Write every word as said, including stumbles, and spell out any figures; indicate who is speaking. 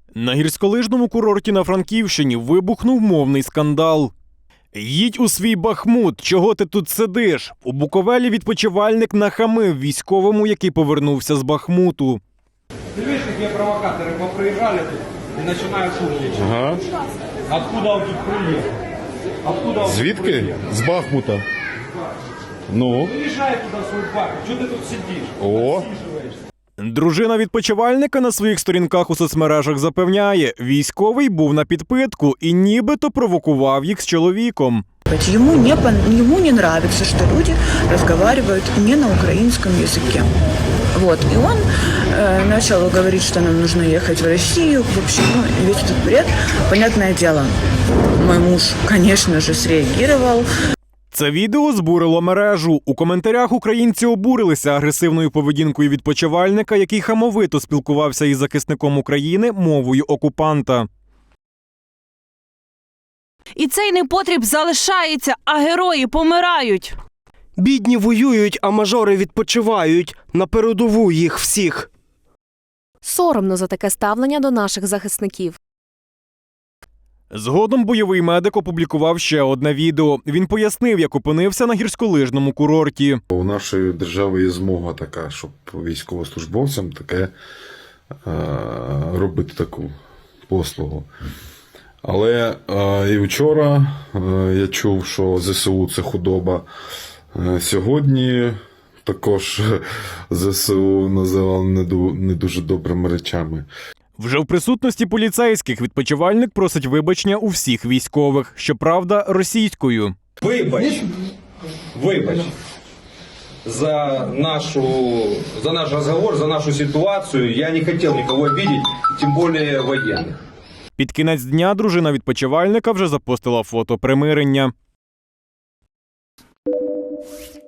Speaker 1: На гірськолижному курорті на Франківщині вибухнув мовний скандал. «Їдь у свій Бахмут, чого ти тут сидиш?» У Буковелі відпочивальник нахамив військовому, який повернувся з Бахмуту.
Speaker 2: Ты видишь, какие провокаторы поприезжали тут и начинают шумничать.
Speaker 3: Ага.
Speaker 2: Откуда он тут приехал? Откуда он
Speaker 3: Звідки?
Speaker 2: тут приехал?
Speaker 3: З Бахмута. Ну.
Speaker 2: Уезжай туда в свой парк. Чего ты тут сидишь?
Speaker 3: О.
Speaker 1: Дружина відпочивальника на своїх сторінках у соцмережах запевняє, військовий був на підпитку і нібито провокував їх з чоловіком.
Speaker 4: Ему не, пон- ему не нравится, что люди разговаривают не на украинском языке. Вот. И он э, начал говорить, что нам нужно ехать в Россию. В общем, ну, весь этот бред. Понятное дело, мой муж, конечно же, среагировал.
Speaker 1: Це відео збурило мережу. У коментарях українці обурилися агресивною поведінкою відпочивальника, який хамовито спілкувався із захисником України мовою окупанта.
Speaker 5: І цей непотріб залишається, а герої помирають.
Speaker 6: Бідні воюють, а мажори відпочивають. На передову їх всіх.
Speaker 7: Соромно за таке ставлення до наших захисників.
Speaker 1: Згодом бойовий медик опублікував ще одне відео. Він пояснив, як опинився на гірськолижному курорті.
Speaker 8: У нашої держави є змога така, щоб військовослужбовцям таке е, робити таку послугу. Але е, і вчора е, я чув, що ЗСУ – це худоба. Е, сьогодні також ЗСУ називали не, ду, не дуже добрими речами.
Speaker 1: Вже в присутності поліцейських відпочивальник просить вибачення у всіх військових, щоправда, російською.
Speaker 2: Вибач, вибач за нашу, за наш разговор, за нашу ситуацию. Я не хотел никого обидеть, тем более военных.
Speaker 1: Під кінець дня дружина відпочивальника вже запостила фото примирення.